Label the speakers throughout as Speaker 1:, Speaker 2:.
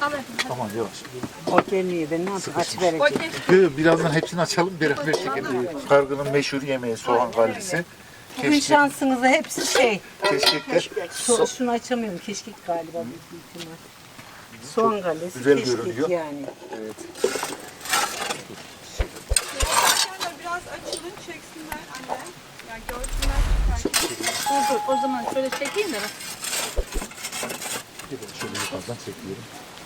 Speaker 1: Tamam yavaş.
Speaker 2: O gelmiyor, ben ne yapayım? Aç vereceğim.
Speaker 1: Birazdan hepsini açalım, beraber çekelim. Kargının meşhur yemeği soğan kallisi.
Speaker 2: Bugün şansınıza hepsi şey.
Speaker 1: Keşkekler.
Speaker 2: Şunu açamıyorum. Keşkek galiba büyük ihtimal. Soğan kallesi,
Speaker 1: Güzel
Speaker 2: keşkek
Speaker 1: görünüyor.
Speaker 2: yani.
Speaker 1: Evet.
Speaker 3: Biraz açılın, çeksinler anne. Yani görsünler.
Speaker 4: Dur o zaman şöyle çekeyim de.
Speaker 1: Şöyle yukarıdan çekiyorum.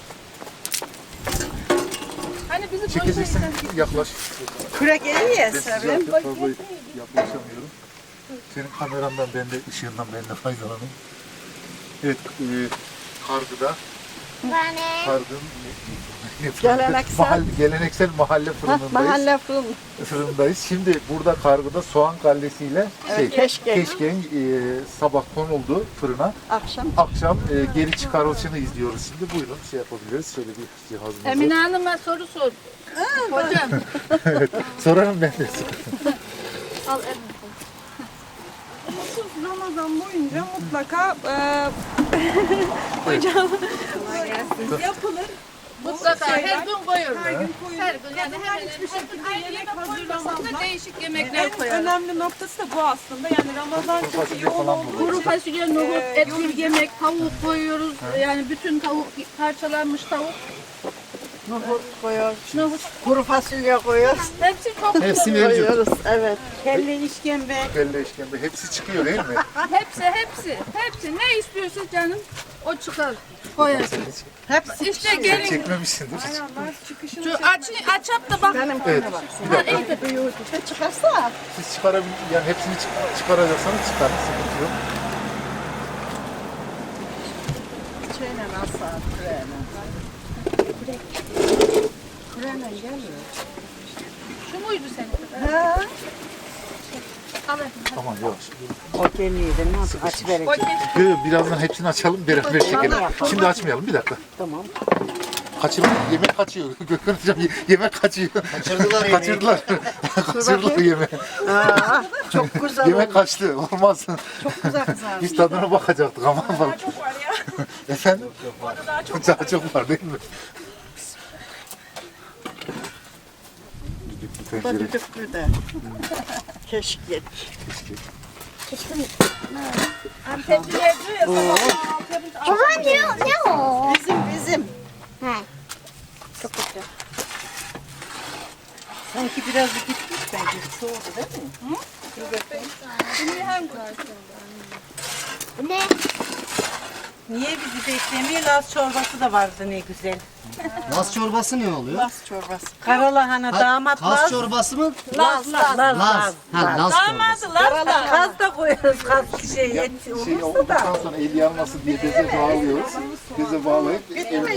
Speaker 4: Hani bizi
Speaker 1: Çekeceksin, yaklaş.
Speaker 3: Kürek eli ya
Speaker 1: Ben size
Speaker 3: Sevim.
Speaker 1: fazla yaklaşamıyorum. Senin kamerandan, ben de ışığından ben de faydalanayım. Evet, kargıda. Geleneksel mahalle fırındayız. Şimdi burada kargıda soğan kallesiyle keşkeğin sabah konuldu fırına. Akşam geri çıkarılışını izliyoruz şimdi. Buyurun şey yapabiliriz. Şöyle bir cihazımızı.
Speaker 4: Emine Hanım'a soru sor. Hocam.
Speaker 1: Sorarım ben de.
Speaker 4: Al Emine.
Speaker 3: Ramazan boyunca mutlaka hocam yapılır.
Speaker 4: Mutlaka her gün koyuyoruz.
Speaker 3: Her gün koyulur.
Speaker 4: Her gün yani
Speaker 3: Kadınlar
Speaker 4: hemen
Speaker 3: hiçbir şekilde
Speaker 4: aynı
Speaker 3: yemek
Speaker 4: yemek
Speaker 3: hazırlamadan
Speaker 4: koymasak da değişik
Speaker 3: en
Speaker 4: yemekler koyarız.
Speaker 3: önemli noktası da bu aslında. Yani Ramazan çünkü yoğun olduğu
Speaker 4: Kuru
Speaker 3: için
Speaker 4: fasulye, nohut, etli yemek, tavuk koyuyoruz. Yani bütün tavuk, parçalanmış tavuk.
Speaker 2: Nohut koyuyoruz.
Speaker 4: Nohut.
Speaker 2: Kuru fasulye koyuyoruz.
Speaker 4: Hepsi çok
Speaker 1: Hepsi
Speaker 4: güzel.
Speaker 1: mevcut.
Speaker 2: Koyuyoruz, evet. Kelle işkembe.
Speaker 1: Kelle işkembe hepsi çıkıyor değil mi?
Speaker 4: Hepsi. Ne istiyorsa canım o çıkar. Koyarsın.
Speaker 2: Hepsi.
Speaker 4: İşte gelin.
Speaker 1: Çekmemişsindir hiç.
Speaker 3: çıkışını
Speaker 4: Şu açıp da bak.
Speaker 1: Evet. Bir dakika.
Speaker 4: İyi de büyüğü.
Speaker 2: Çıkarsa.
Speaker 1: Siz yani hepsini çıkaracaksanız çıkarın. Sıkıntı yok.
Speaker 2: Şeyle nasıl? Kureyle gelmiyor.
Speaker 4: Şu muydu senin?
Speaker 2: Ha?
Speaker 4: Al efendim.
Speaker 1: Tamam yavaş.
Speaker 2: O gelmiyor, ben ne yapayım? Aç vereceğim.
Speaker 1: Birazdan hepsini açalım, beraber çekelim. Şimdi açmayalım, bir dakika.
Speaker 2: Tamam.
Speaker 1: Kaçırma, yemek kaçıyor. Gökhan hocam yemek kaçıyor. Kaçırdılar. Kaçırdılar yemeği.
Speaker 2: Aa, çok güzel
Speaker 1: Yemek
Speaker 2: oldu.
Speaker 1: kaçtı, olmaz.
Speaker 2: Çok güzel kızarmış.
Speaker 1: Biz tadına bakacaktık ama.
Speaker 3: çok var ya.
Speaker 1: Efendim?
Speaker 3: Orada daha çok
Speaker 1: Daha çok var değil mi?
Speaker 2: Bu da düdüklü de. Keşke.
Speaker 3: Antepçiler diyor ya sabah
Speaker 5: Ne o?
Speaker 2: Bizim.
Speaker 5: He. Çok güzel.
Speaker 2: Sanki biraz gitmiş bence. Soğudu değil mi?
Speaker 5: Bu ne?
Speaker 2: Niye bizi beklemiyor? Laz çorbası da vardı ne güzel.
Speaker 6: Laz çorbası ne oluyor?
Speaker 2: Laz çorbası. Karalahana damat
Speaker 6: Kaz
Speaker 2: Laz.
Speaker 6: çorbası mı?
Speaker 2: Laz.
Speaker 6: Laz. Ha, Laz çorbası.
Speaker 2: Karalahana. Kaz da koyuyoruz. Kaz et olursa da.
Speaker 1: Olduktan sonra el yanmasın diye beze bağlıyoruz. Beze bağlayıp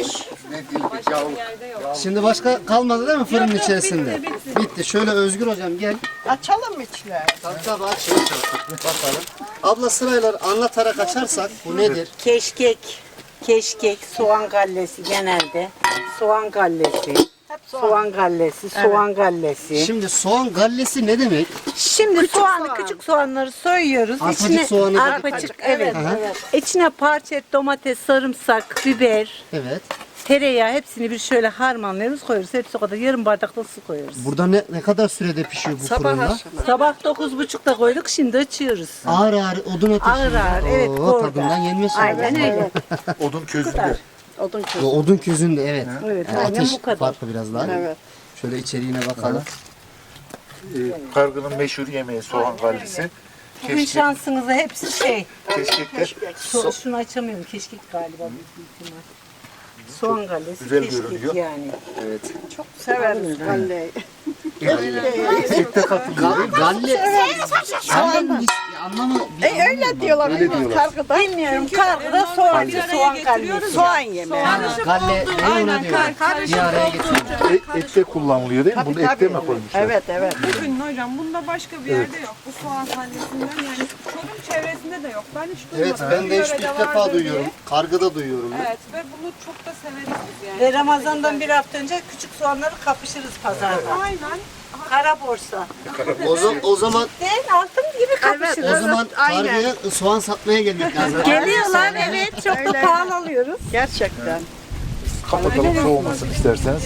Speaker 6: Şimdi başka kalmadı değil mi fırının içerisinde? Bitti. Şöyle Özgür hocam gel.
Speaker 2: Açalım mı içler?
Speaker 6: Tabii aç. Bakalım. Abla sırayla anlatarak açarsak bu nedir?
Speaker 2: Keşkek, soğan gallesi genelde. Soğan gallesi. Soğan gallesi.
Speaker 6: Şimdi soğan gallesi ne demek?
Speaker 2: Şimdi küçük soğanları soyuyoruz.
Speaker 6: Arpacık soğanı da-
Speaker 2: Arpacık, evet.
Speaker 6: Aha.
Speaker 2: İçine parça et, domates, sarımsak, biber,
Speaker 6: Evet.
Speaker 2: tereyağı hepsini bir şöyle harmanlıyoruz, koyuyoruz. Hepsi o kadar yarım bardak da su koyuyoruz.
Speaker 6: Burada ne kadar sürede pişiyor bu fırında?
Speaker 2: Sabah 9.30'da koyduk, şimdi açıyoruz.
Speaker 6: Ağır ağır odun ateşinde.
Speaker 2: Ağır ağır, evet,
Speaker 6: Oo,
Speaker 2: orada.
Speaker 6: tadından yenmez.
Speaker 2: Aynen öyle.
Speaker 1: Odun közünde.
Speaker 2: Odun
Speaker 6: O odun közünde evet.
Speaker 2: Evet,
Speaker 6: Yani
Speaker 2: aynen
Speaker 6: ateş
Speaker 2: bu kadar.
Speaker 6: farklı biraz daha.
Speaker 2: Evet.
Speaker 6: Şöyle içeriğine bakalım.
Speaker 1: Kargının meşhur yemeği soğan kallisi.
Speaker 2: Bugün şansınıza hepsi şey.
Speaker 1: Keşkekler.
Speaker 2: Şunu açamıyorum, keşkek galiba büyük ihtimal. Soğan gallesi,
Speaker 1: Güzel
Speaker 2: keşkek
Speaker 1: görünüyor.
Speaker 2: yani.
Speaker 1: Evet.
Speaker 2: Çok severiz galleyi.
Speaker 1: Ette katılıyor değil mi?
Speaker 6: Galle. Gallenin anlamı
Speaker 2: Öyle diyorlar.
Speaker 1: Öyle diyorlar.
Speaker 2: Bilmiyorum, kargıda soğan, soğan gallesi. Soğan yemeği.
Speaker 6: Galle ne ona diyor? Bir araya getiriyor.
Speaker 1: Ette kullanılıyor değil mi? Bunu ette mi koymuşlar?
Speaker 2: Evet.
Speaker 3: Bugün hocam bunda başka bir yerde yok. Bu soğan sallesinden yani Çorum çevresinde de yok. Ben hiç
Speaker 6: Evet
Speaker 3: duymadım.
Speaker 6: ben de
Speaker 3: Bir
Speaker 6: ilk
Speaker 3: yörede
Speaker 6: defa
Speaker 3: vardır
Speaker 6: duyuyorum.
Speaker 3: diye.
Speaker 6: Kargıda duyuyorum.
Speaker 3: Evet ve bunu çok da severiz biz yani.
Speaker 2: Ve Ramazan'dan bir hafta önce küçük soğanları kapışırız pazarda.
Speaker 3: Aynen.
Speaker 2: Kara borsa.
Speaker 6: O zaman
Speaker 2: Değil, altın gibi kapışırız.
Speaker 6: o zaman kargıya soğan satmaya gelmek lazım.
Speaker 2: Geliyorlar, evet, çok da pahalı alıyoruz.
Speaker 7: Gerçekten.
Speaker 1: Kapatalım soğumasın isterseniz.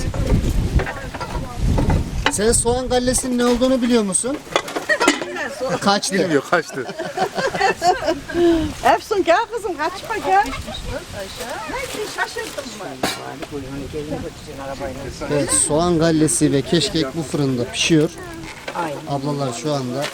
Speaker 6: Sen soğan gallesinin ne olduğunu biliyor musun? Kaçtı.
Speaker 1: Bilmiyor kaçtı.
Speaker 2: Efsun gel kızım kaçma gel.
Speaker 6: Evet, soğan gallesi ve keşkek bu fırında pişiyor.
Speaker 2: Aynen.
Speaker 6: Ablalar şu anda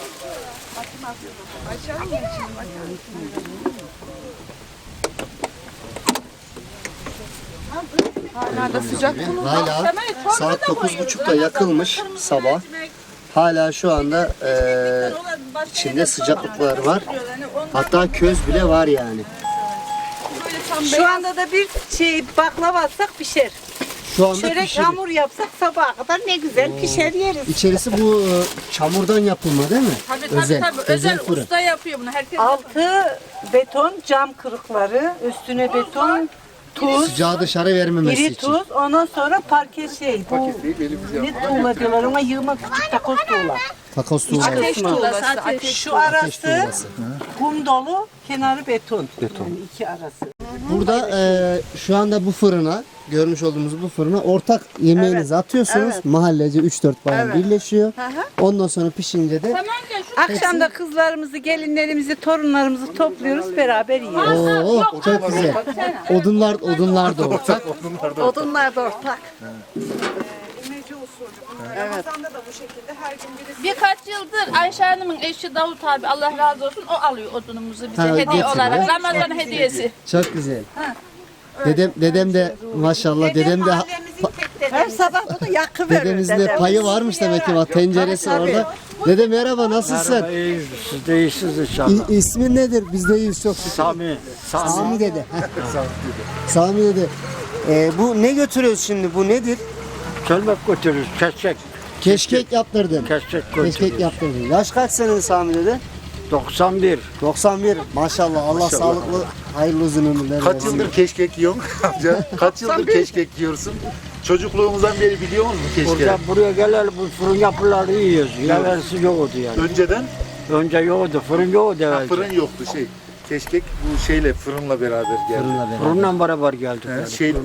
Speaker 3: Hala da sıcak.
Speaker 6: hala saat 9.30'da yakılmış sabah. Hala şu anda içinde sıcaklıklar var. Hatta köz bile var yani.
Speaker 2: Şu anda da bir şey baklava atsak pişer.
Speaker 6: Şu anda
Speaker 2: Çörek
Speaker 6: pişiyor.
Speaker 2: hamur yapsak sabaha kadar ne güzel pişer yeriz.
Speaker 6: İçerisi bu çamurdan yapılma değil mi? Özel fırın.
Speaker 4: usta yapıyor bunu. Herkes
Speaker 2: Altı beton cam kırıkları, üstüne beton, tuz,
Speaker 6: Sıcağı dışarı vermemesi
Speaker 2: iri
Speaker 6: için.
Speaker 2: tuz, ondan sonra parke şey. Bu
Speaker 1: Paketlayıp elimizle
Speaker 2: ne tuğla diyorlar ona yığma küçük takoz tuğla.
Speaker 6: Takoz tuğlası.
Speaker 3: Ateş tuğlası.
Speaker 2: Şu arası
Speaker 6: tuğlası.
Speaker 2: kum dolu, kenarı beton. Yani iki arası.
Speaker 6: Burada şu anda bu fırına, görmüş olduğumuz bu fırına ortak yemeğinizi atıyorsunuz. Mahallece 3-4 bayan birleşiyor. Ondan sonra pişince de
Speaker 2: Akşam da kızlarımızı, gelinlerimizi, torunlarımızı topluyoruz, beraber yiyoruz.
Speaker 6: Oo, çok güzel. Odunlar da ortak.
Speaker 2: Odunlar da ortak.
Speaker 3: İmece usulü bunlar. Ramazan'da da bu şekilde her gün birisi.
Speaker 4: birkaç yıldır Ayşe Hanım'ın eşi Davut abi Allah razı olsun o alıyor odunumuzu bize
Speaker 6: Ha,
Speaker 4: hediye
Speaker 6: getiriyor.
Speaker 4: olarak. Ramazan hediyesi.
Speaker 6: Çok güzel. Dedem de maşallah dedem de
Speaker 2: Her sabah bunu yakıverir.
Speaker 6: dedemizin de payı varmış demek ki bak tenceresi orada. Dede merhaba nasılsın?
Speaker 7: İyiyiz, siz de iyisiniz inşallah.
Speaker 6: İsmin nedir? Biz de iyiyiz çok şükür.
Speaker 7: Sami,
Speaker 6: Sami dede. Sami dede. Bu ne götürüyoruz şimdi? Bu nedir?
Speaker 7: çölmek götürürüz, keşkek,
Speaker 6: Keşkek yaptırdın.
Speaker 7: keşkek
Speaker 6: Keşkek
Speaker 7: götürürüz.
Speaker 6: yaptırdın. Yaş kaç senin Sami dede?
Speaker 7: 91,
Speaker 6: 91. Maşallah Allah sağlıklı hayırlı uzun ömürler
Speaker 1: Kaç
Speaker 6: versin.
Speaker 1: yıldır keşkek yiyorsun amca? Kaç yıldır keşkek yiyorsun? Çocukluğumuzdan beri biliyor musun keşkek?
Speaker 7: buraya geleli bu fırın yapıları yiyoruz. Yerlerisi yoktu yani.
Speaker 1: Önceden
Speaker 7: Önce yoktu, fırın yoktu evvelce.
Speaker 1: fırın yoktu şey. Keşkek bu şeyle fırınla beraber geldi.
Speaker 6: Fırınla beraber.
Speaker 7: Fırınla beraber geldik.
Speaker 1: He,
Speaker 7: yani.
Speaker 1: şey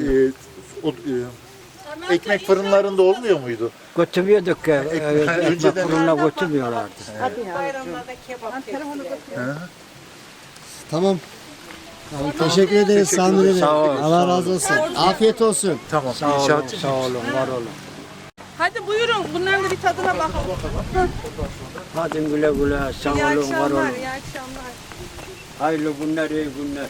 Speaker 1: ekmek fırınlarında olmuyor muydu?
Speaker 7: Götürmüyorduk ki, ekmek
Speaker 1: önceden-
Speaker 7: fırınla götürmüyorlardı.
Speaker 2: Bayramlarda kebap.
Speaker 6: Tamam. Tamam, teşekkür ederiz Sami dede.
Speaker 7: Sağ ol,
Speaker 6: Allah razı olsun. Afiyet olsun.
Speaker 1: Tamam
Speaker 7: Sağ olun,
Speaker 1: inşaatçı.
Speaker 7: sağ olun, var olun.
Speaker 3: Hadi buyurun bunların da bir tadına bakalım.
Speaker 7: Hadi güle güle, sağ
Speaker 3: İyi
Speaker 7: olun, var
Speaker 3: akşamlar,
Speaker 7: olun.
Speaker 3: iyi akşamlar.
Speaker 7: Hayırlı günler, iyi günler.